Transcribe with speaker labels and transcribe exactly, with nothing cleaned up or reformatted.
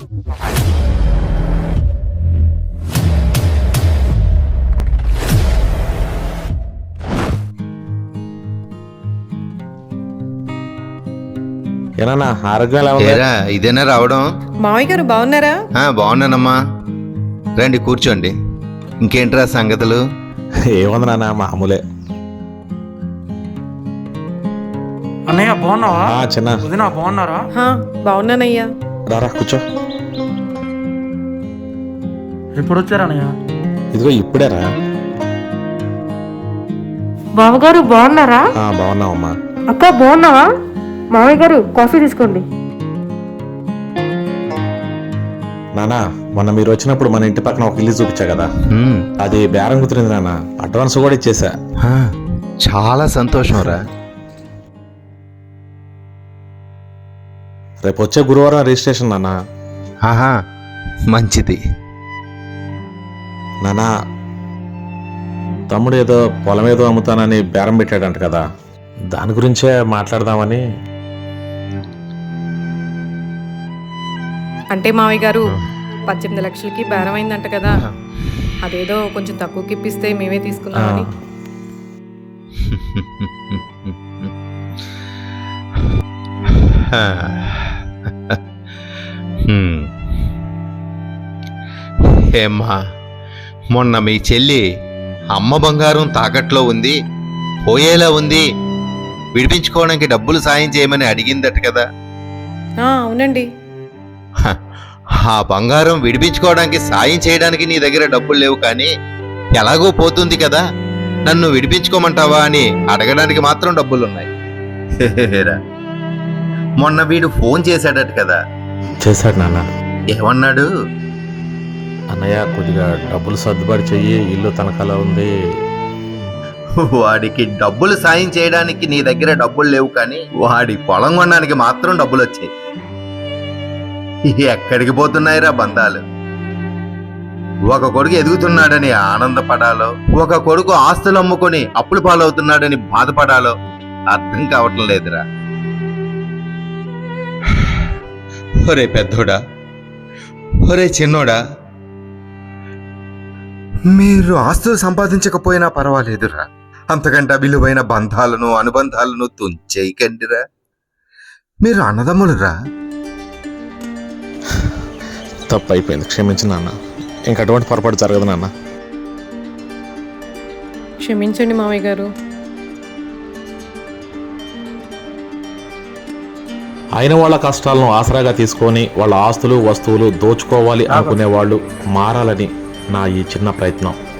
Speaker 1: ఏనా ఆరోగ్యం ఎలా ఉంది?
Speaker 2: ఏరా ఇదేనా రావడం?
Speaker 3: మావయ్య గారు బాగున్నారా?
Speaker 2: ఆ, బాగున్నానమ్మా. రండి కూర్చోండి. ఇంకేంట్రా సంగతులు?
Speaker 1: ఏముంది నాన్న, మామూలే.
Speaker 4: అన్నయ్య బాగున్నావా?
Speaker 1: ఆ, చిన్న
Speaker 4: వదినా బాగున్నారా?
Speaker 3: హా, బాగున్నానయ్యా.
Speaker 1: రారా కూర్చో.
Speaker 4: ఎప్పుడు వచ్చారా అన్నయ్య?
Speaker 1: ఇదిగో ఇప్పుడేరా.
Speaker 5: బావగారు బాగున్నారా?
Speaker 1: ఆ, బాగున్నావమ్మా.
Speaker 5: అక్క బాగున్నావా? మామయ్య గారు కాఫీ తీసుకోండి.
Speaker 1: నానా, మొన్న మీరు వచ్చినప్పుడు మన ఇంటి పక్కన ఒక ఇల్లు చూపించా కదా,
Speaker 2: ఉమ్,
Speaker 1: అది బేరం కుదిరింది నాన్న. అడ్వాన్స్ కూడా ఇచ్చేసా.
Speaker 2: ఆ, చాలా సంతోషం రా.
Speaker 1: రేపు వచ్చే గురువారం రిజిస్ట్రేషన్ నాన్న.
Speaker 2: ఆహా, మంచిది.
Speaker 1: నానా, తమ్ముడు ఏదో పొలం ఏదో అమ్ముతానని బేరం పెట్టాడంట కదా, దాని గురించే మాట్లాడదామని.
Speaker 3: అంటే మావయ్య గారు పద్దెనిమిది లక్షలకి బేరం అయిందంట కదా, అదేదో కొంచెం తక్కువకి ఇప్పిస్తే మేమే తీసుకుందామని.
Speaker 2: హ్మ్. ఏమ్మా, మొన్న మీ చెల్లి అమ్మ బంగారం తాకట్లో ఉంది, పోయేలా ఉంది, విడిపించుకోవడానికి డబ్బులు సాయం చేయమని అడిగిందట కదా.
Speaker 3: ఆ, అవునండి.
Speaker 2: హ, ఆ బంగారం విడిపించుకోవడానికి సాయం చేయడానికి నీ దగ్గర డబ్బులు లేవు, కానీ ఎలాగో పోతుంది కదా, నన్ను విడిపించుకోమంటావా అని అడగడానికి మాత్రం డబ్బులున్నాయి. హెహెహెరా. మొన్న వీడు ఫోన్ చేశాడట కదా,
Speaker 1: చేశాడు నాన్న.
Speaker 2: ఏమన్నాడు?
Speaker 1: అన్నయ్య, కొద్దిగా డబ్బులు సర్దుబాటు చెయ్యి, ఇల్లు తనఖాలో ఉంది.
Speaker 2: వాడికి డబ్బులు సాయం చేయడానికి నీ దగ్గర డబ్బులు లేవు, కానీ వాడి పొలం కొనడానికి మాత్రం డబ్బులు వచ్చాయి. ఎక్కడికి పోతున్నాయిరా బంధాలు? ఒక కొడుకు ఎదుగుతున్నాడని ఆనందపడాలో, ఒక కొడుకు ఆస్తులు అమ్ముకొని అప్పులు పాలవుతున్నాడని బాధపడాలో అర్థం కావటం లేదురా. ఒరే పెద్దోడా, ఒరే చిన్నోడా, మీరు ఆస్తులు సంపాదించకపోయినా పర్వాలేదురా, అంతకంటే విలువైన బంధాలను అనుబంధాలను తుంచేయకండిరా. మీరు అన్నదమ్ములురా.
Speaker 1: తప్పు అయిపోయింది, క్షమించు నాన్న. ఇంక అటువంటి పొరపాటు జరగదు నాన్న.
Speaker 3: క్షమించండి మావయ్య గారు.
Speaker 1: అయిన వాళ్ళ కష్టాలను ఆసరాగా తీసుకొని వాళ్ళ ఆస్తులు వస్తువులు దోచుకోవాలి అనుకునే వాళ్ళు మారాలని నా ఈ చిన్న ప్రయత్నం.